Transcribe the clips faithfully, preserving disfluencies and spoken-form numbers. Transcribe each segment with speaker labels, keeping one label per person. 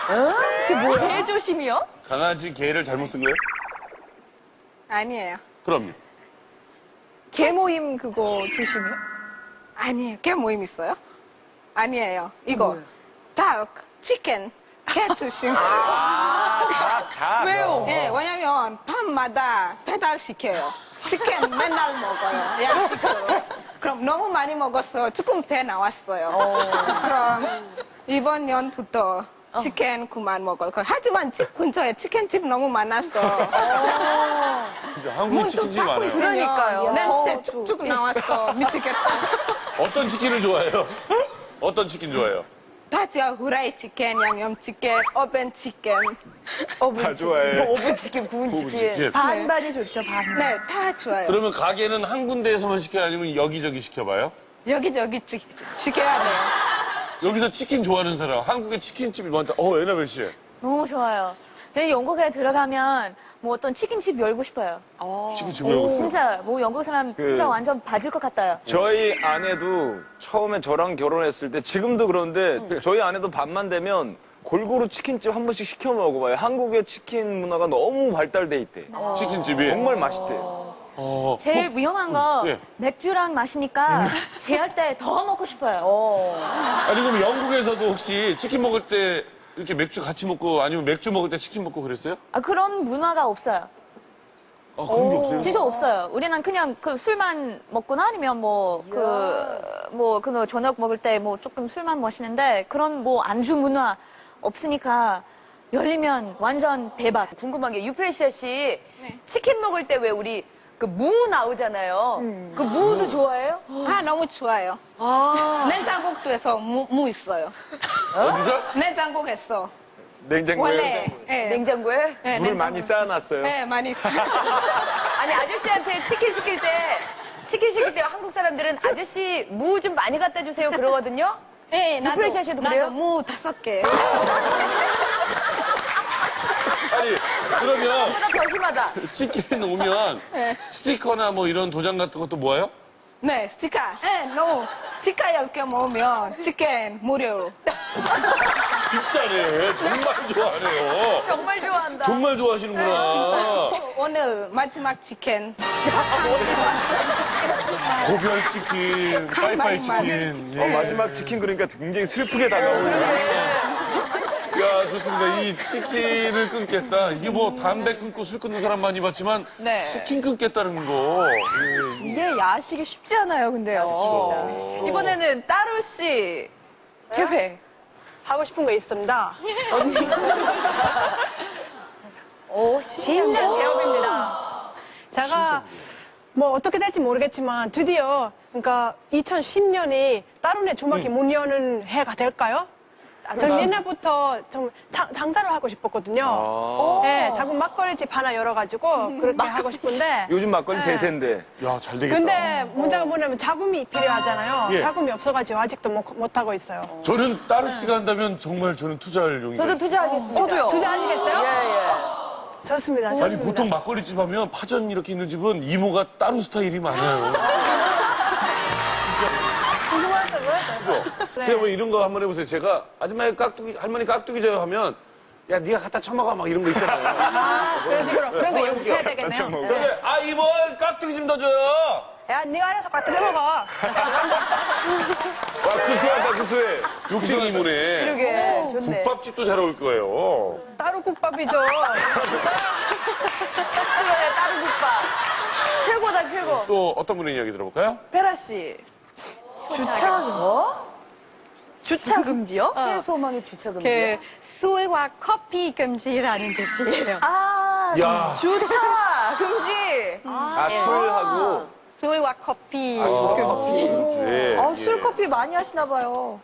Speaker 1: 그게 뭐야? 개조심이요?
Speaker 2: 강아지 개를 잘못 쓴 거예요?
Speaker 3: 아니에요.
Speaker 2: 그럼요.
Speaker 3: 개 모임 그거 조심이요? 아니에요. 개 모임 있어요? 아니에요. 이거 닭, 치킨, 개 조심.
Speaker 4: 다.
Speaker 1: 왜요?
Speaker 3: 예, 왜냐면 밤마다 배달 시켜요. 치킨 맨날 먹어요. 양식으로. 그럼 너무 많이 먹었어. 조금 배 나왔어요. 그럼 이번 년부터 치킨 그만 먹어요. 하지만 집 근처에 치킨집 너무 많았어.
Speaker 2: 그죠? 한국에 치킨집이 많아요.
Speaker 1: 그러니까요.
Speaker 3: 냄새 쭉쭉 나왔어. 미치겠다.
Speaker 2: 어떤 치킨을 좋아해요? 어떤 치킨 좋아해요?
Speaker 3: 다죠. 후라이 치킨, 양념 치킨, 오븐 치킨.
Speaker 4: 다 좋아해.
Speaker 1: 오븐 치킨, 구운
Speaker 2: 구운
Speaker 1: 치킨.
Speaker 2: 치킨.
Speaker 1: 반반이 좋죠, 반반.
Speaker 3: 네, 다 좋아요.
Speaker 2: 그러면 가게는 한 군데에서만 시켜요? 아니면 여기저기 시켜봐요?
Speaker 3: 여기저기 치, 시켜야 돼요.
Speaker 2: 여기서 치킨 좋아하는 사람, 한국에 치킨집이 많다. 어, 에나벨 씨.
Speaker 5: 너무 좋아요. 저희 영국에 들어가면 뭐 어떤 치킨집 열고 싶어요.
Speaker 2: 치킨집 열고 있어.
Speaker 5: 진짜 뭐 영국 사람 진짜 완전 봐줄 것 같아요.
Speaker 4: 저희 아내도 처음에 저랑 결혼했을 때 지금도 그런데 저희 아내도 밤만 되면 골고루 치킨집 한 번씩 시켜 먹어봐요. 한국의 치킨 문화가 너무 발달돼 있대.
Speaker 2: 치킨집이.
Speaker 4: 정말 맛있대요.
Speaker 2: 어.
Speaker 5: 제일 위험한 거
Speaker 2: 예.
Speaker 5: 맥주랑 마시니까 제할 때 더 먹고 싶어요.
Speaker 2: 아니, 그럼 영국에서도 혹시 치킨 먹을 때 이렇게 맥주 같이 먹고 아니면 맥주 먹을 때 치킨 먹고 그랬어요?
Speaker 5: 아, 그런 문화가 없어요.
Speaker 2: 아, 그런 게 없어요?
Speaker 5: 진짜 없어요. 우리는 그냥 그 술만 먹거나 아니면 뭐 그 뭐 그 저녁 먹을 때 뭐 조금 술만 마시는데 그런 뭐 안주 문화 없으니까 열리면 완전 대박.
Speaker 1: 궁금한 게 유프레시아 씨 치킨 먹을 때 왜 우리 그 무 나오잖아요. 그 무도 좋아해요?
Speaker 3: 아, 너무 좋아요. 냉장고에서 무, 무 있어요.
Speaker 2: 어디서?
Speaker 3: 냉장고에서.
Speaker 4: 냉장고에
Speaker 3: 원래. 예.
Speaker 1: 냉장고에?
Speaker 3: 네,
Speaker 4: 물을
Speaker 3: 냉장고.
Speaker 4: 많이 쌓아놨어요.
Speaker 3: 네, 많이 있어요.
Speaker 1: 아니 아저씨한테 치킨 시킬 때 치킨 시킬 때 한국 사람들은 아저씨 무 좀 많이 갖다 주세요 그러거든요.
Speaker 3: 네, 나도,
Speaker 1: 유프레시아 씨도 그래요?
Speaker 3: 나도 무 다섯 개.
Speaker 2: 아니, 그러면
Speaker 1: 보다 더 심하다.
Speaker 2: 치킨 오면 스티커나 뭐 이런 도장 같은 것도 모아요?
Speaker 3: 네, 스티커. 네, 너무 스티커 열 개 모으면 치킨 무료로.
Speaker 2: 진짜네. 정말 좋아하네요.
Speaker 1: 정말 좋아한다.
Speaker 2: 정말 좋아하시는구나.
Speaker 3: 오늘 마지막 치킨.
Speaker 2: 고별 치킨, 빠이빠이
Speaker 3: 많이
Speaker 2: 치킨.
Speaker 4: 어,
Speaker 2: 예.
Speaker 4: 마지막 치킨 그러니까 굉장히 슬프게 다가오네요.
Speaker 2: 야, 좋습니다. 이 치킨을 끊겠다. 이게 뭐 담배 끊고 술 끊는 사람 많이 봤지만
Speaker 1: 네.
Speaker 2: 치킨 끊겠다는 거. 예.
Speaker 1: 이게 야식이 쉽지 않아요, 근데요. 이번에는 따로 씨 계획.
Speaker 6: 하고 싶은 거 있습니다. 오, 신년 개업입니다. 제가 뭐 어떻게 될지 모르겠지만 드디어 그러니까 이천십 년이 따로네 주막이 문 여는 해가 될까요? 저는 옛날부터 좀 장, 장사를 하고 싶었거든요. 네, 작은 막걸리집 하나 열어가지고 그렇게 하고 싶은데.
Speaker 4: 요즘 막걸리 대세인데.
Speaker 2: 야, 잘 되겠다.
Speaker 6: 근데 문제가 뭐냐면 자금이 필요하잖아요.
Speaker 2: 예.
Speaker 6: 자금이 없어가지고 아직도 못, 못하고 있어요.
Speaker 2: 저는 따로 씨가 한다면 정말 저는 투자할 용의가
Speaker 1: 저도
Speaker 2: 있어요.
Speaker 1: 투자하겠습니다.
Speaker 6: 저도요. 투자하시겠어요?
Speaker 1: 예, 예.
Speaker 6: 좋습니다.
Speaker 2: 아니,
Speaker 6: 좋습니다.
Speaker 2: 보통 막걸리집 하면 파전 이렇게 있는 집은 이모가 따로 스타일이 많아요. 그죠? 그냥 뭐 이런 거 한번 해보세요. 제가 아줌마 깍두기, 할머니 깍두기 줘요 하면 야, 네가 갖다 쳐먹어 막 이런 거 있잖아요.
Speaker 6: 아, 그런 식으로 그런 거 연습해야 되겠네요.
Speaker 2: 저기, 아, 이모 깍두기 좀 더 줘요.
Speaker 6: 야, 네가 알아서 갖다 줘 먹어.
Speaker 4: 와, 구수하다, 구수해.
Speaker 2: 욕쟁이 이모네.
Speaker 1: 그러게, 좋네.
Speaker 2: 국밥집도 잘 어울 거예요.
Speaker 6: 따로 국밥이죠.
Speaker 1: 그래, 따로 국밥. 최고다, 최고.
Speaker 2: 또 어떤 분의 이야기 들어볼까요?
Speaker 1: 페라 씨. 주차, 뭐? 주차 금지요? 해소망의 주차 금지요?
Speaker 3: 그 술과 커피 금지라는 뜻이에요.
Speaker 1: 아,
Speaker 2: 야.
Speaker 1: 좋다. 금지.
Speaker 4: 아, 술하고.
Speaker 3: 술과 커피
Speaker 2: 아,
Speaker 3: 금지.
Speaker 2: 예.
Speaker 1: 아, 술, 커피 많이 하시나 봐요.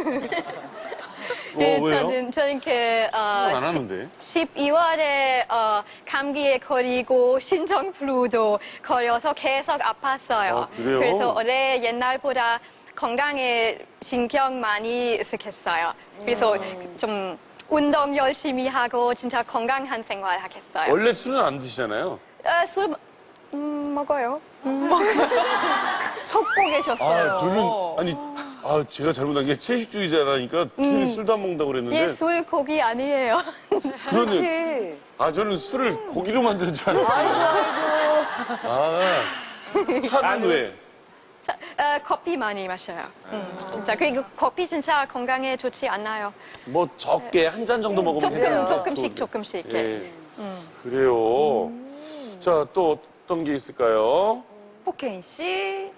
Speaker 3: 네,
Speaker 2: 어, 왜요?
Speaker 3: 저는 저는 그 어,
Speaker 2: 안 하는데.
Speaker 3: 십이월에 어, 감기에 걸리고 신종플루도 걸려서 계속 아팠어요.
Speaker 2: 아, 그래요?
Speaker 3: 그래서 올해 옛날보다 건강에 신경 많이 쓰겠어요. 그래서
Speaker 2: 음.
Speaker 3: 좀 운동 열심히 하고 진짜 건강한 생활 하겠어요.
Speaker 2: 원래 술은 안 드시잖아요.
Speaker 3: 어, 술 음, 먹어요. 음. 속고 계셨어요.
Speaker 2: 아, 저는, 아니, 아, 제가 잘못한 게 채식주의자라니까 괜히 술도 안 먹는다고 그랬는데.
Speaker 5: 예, 술 고기 아니에요.
Speaker 2: 그러네.
Speaker 1: 그렇지.
Speaker 2: 아, 저는 술을 고기로 만드는 줄 알았어요. 아, 차는 왜?
Speaker 7: 자, 어, 커피 많이 마셔요. 진짜 그리고 커피 진짜 건강에 좋지 않아요.
Speaker 2: 뭐 적게 한 잔 정도 먹으면
Speaker 7: 조금
Speaker 2: 괜찮아요.
Speaker 7: 조금씩
Speaker 2: 좋은데.
Speaker 7: 조금씩. 이렇게.
Speaker 2: 예. 그래요. 자, 또 어떤 게 있을까요?
Speaker 1: 포케인 씨.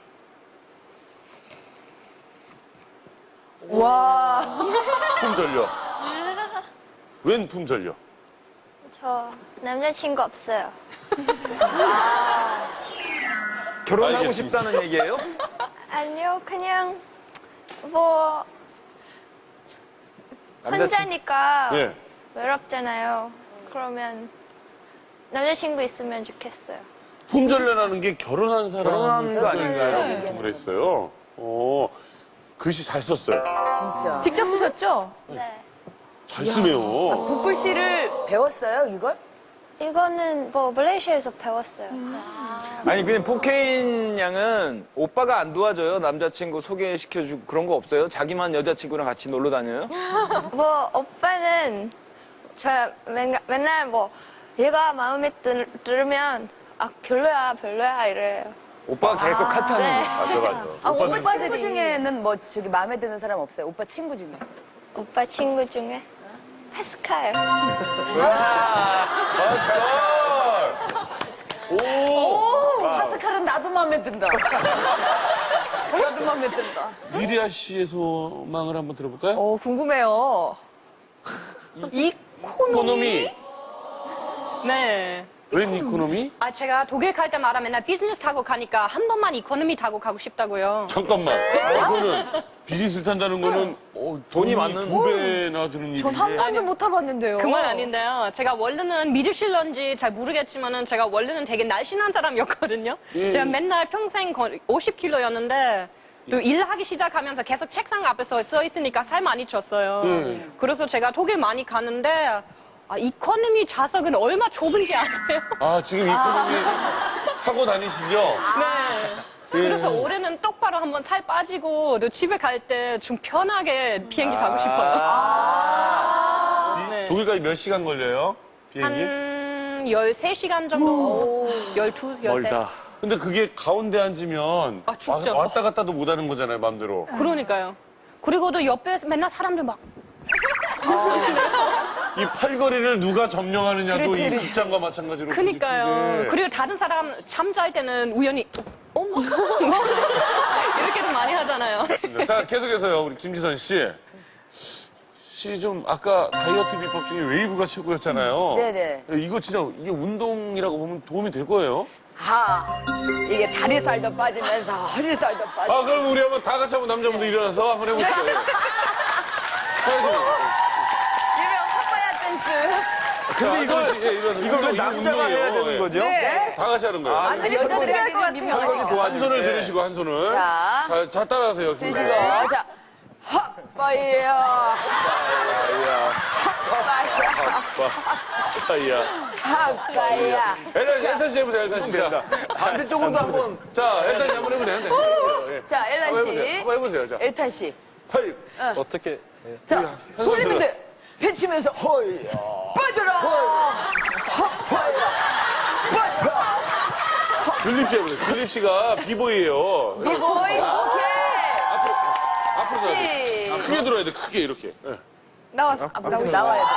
Speaker 1: 와.
Speaker 2: 품절려. 웬 품절려?
Speaker 8: 저 남자친구 없어요.
Speaker 4: 결혼하고
Speaker 2: 알겠습니다.
Speaker 4: 싶다는 얘기예요?
Speaker 8: 아니요, 그냥 뭐
Speaker 4: 남자친-
Speaker 8: 혼자니까
Speaker 2: 예.
Speaker 8: 외롭잖아요. 그러면 남자친구 있으면 좋겠어요.
Speaker 2: 품절려라는 게 결혼한 사람
Speaker 4: 결혼한 거 아닌가요?
Speaker 2: 그랬어요. 어, 글씨 잘 썼어요.
Speaker 1: 진짜. 직접 쓰셨죠?
Speaker 8: 네.
Speaker 2: 잘 쓰네요.
Speaker 1: 붓글씨를 배웠어요, 이걸?
Speaker 8: 이거는 뭐 말레이시아에서 배웠어요.
Speaker 4: 아니 그냥 포케인 양은 오빠가 안 도와줘요? 남자친구 소개시켜주고 그런 거 없어요? 자기만 여자친구랑 같이 놀러 다녀요?
Speaker 8: 뭐 오빠는 저 맨날, 맨날 뭐 얘가 마음에 들, 들으면 아 별로야 별로야 이래요.
Speaker 4: 오빠가 계속 카트하는
Speaker 8: 네.
Speaker 4: 거.
Speaker 2: 맞아, 맞아.
Speaker 1: 아, 오빠
Speaker 2: 오빠들은
Speaker 1: 친구 중에는 뭐 저기 마음에 드는 사람 없어요? 오빠 친구 중에.
Speaker 8: 오빠 친구 중에 파스칼.
Speaker 2: 오!
Speaker 1: 파스칼은 나도 마음에 든다. 나도 마음에 든다.
Speaker 2: 미리아 씨의 소망을 한번 들어볼까요?
Speaker 1: 어, 궁금해요.
Speaker 2: 이코노미.
Speaker 7: 네.
Speaker 2: 웬 이코노미?
Speaker 7: 아 제가 독일 갈 때마다 맨날 비즈니스 타고 가니까 한 번만 이코노미 타고 가고 싶다고요.
Speaker 2: 잠깐만. 이거는 비즈니스 탄다는 거는 어, 돈이
Speaker 4: 돈이 많은-
Speaker 2: 두 배나 드는 일인데.
Speaker 1: 한 번도 못 타봤는데요.
Speaker 7: 그건 아닌데요. 제가 원래는 믿으실런지 잘 모르겠지만은 제가 원래는 되게 날씬한 사람이었거든요.
Speaker 2: 예.
Speaker 7: 제가 맨날 평생 오십 킬로였는데 또 일하기 시작하면서 계속 책상 앞에서 써 있으니까 살 많이 쪘어요.
Speaker 2: 예.
Speaker 7: 그래서 제가 독일 많이 가는데 아, 이코노미 좌석은 얼마 좁은지 아세요?
Speaker 2: 아, 지금 이코노미 타고 다니시죠?
Speaker 7: 네.
Speaker 2: 예.
Speaker 7: 그래서 올해는 똑바로 한번 살 빠지고 또 집에 갈 때 좀 편하게 비행기 타고 싶어요. 네.
Speaker 2: 독일까지 몇 시간 걸려요? 비행기?
Speaker 7: 한 열세 시간 정도? 열두, 열세.
Speaker 4: 멀다.
Speaker 2: 근데 그게 가운데 앉으면
Speaker 7: 아, 죽죠.
Speaker 2: 와- 왔다 갔다도 못 하는 거잖아요, 마음대로.
Speaker 7: 그러니까요. 그리고도 옆에 맨날 사람들 막
Speaker 2: 이 팔걸이를 누가 점령하느냐도 이 극장과 마찬가지로.
Speaker 7: 그니까요.
Speaker 2: 문제인데.
Speaker 7: 그리고 다른 사람 잠잘 때는 우연히 어머 이렇게도 많이 하잖아요.
Speaker 2: 자, 계속해서요, 우리 김지선 씨. 씨 좀 아까 다이어트 비법 중에 웨이브가 최고였잖아요.
Speaker 1: 네네.
Speaker 2: 이거 진짜 이게 운동이라고 보면 도움이 될 거예요.
Speaker 1: 아, 이게 다리살도 빠지면서 허리살도 빠지고.
Speaker 2: 아, 그럼 우리 한번 다 같이 한번 남자분들 일어나서 한번 해보시죠. 예. 해보시죠.
Speaker 1: 유명 컵바야 댄스.
Speaker 2: 근데 이거 예, 이런
Speaker 4: 이걸 왜
Speaker 2: 운동, 이거
Speaker 4: 남자가
Speaker 2: 운동이에요.
Speaker 4: 해야 되는
Speaker 2: 예.
Speaker 4: 거죠?
Speaker 1: 네.
Speaker 2: 다 같이 하는 거예요.
Speaker 1: 아니, 여자들이 할 것 같아요.
Speaker 4: 설거지
Speaker 2: 한
Speaker 4: 도와주세요.
Speaker 2: 손을 들으시고 한 손을.
Speaker 1: 자.
Speaker 2: 자, 자 따라하세요.
Speaker 1: 드시고.
Speaker 2: 김지선 씨.
Speaker 1: 자, 헛바야. 헛바야.
Speaker 2: 아야.
Speaker 1: 헛바야.
Speaker 2: 엘탄, 엘탄 씨 해보세요, 엘탄 씨. 자,
Speaker 4: 반대쪽으로도 한번.
Speaker 2: 자, 엘탄 씨 한번 해보세요. 엘탄 씨 해보세요. 예.
Speaker 1: 자, 엘란
Speaker 2: 한번 해보세요.
Speaker 1: 씨.
Speaker 2: 한번 해보세요. 자,
Speaker 1: 엘탄 씨.
Speaker 2: 하이.
Speaker 4: 어떻게.
Speaker 1: 자,
Speaker 2: 한 손
Speaker 1: 돌리면
Speaker 2: 들어.
Speaker 1: 돼. 펼치면서. 빠져라. 헛바야. 빠져라.
Speaker 2: 글립 씨 해보세요. 글립 씨가 비보이예요.
Speaker 1: 비보이. 오케이.
Speaker 2: 앞으로, 앞으로 가야 돼.
Speaker 1: 시.
Speaker 2: 크게 들어야 돼, 크게 이렇게. 예.
Speaker 1: 나왔어. 나와야 돼.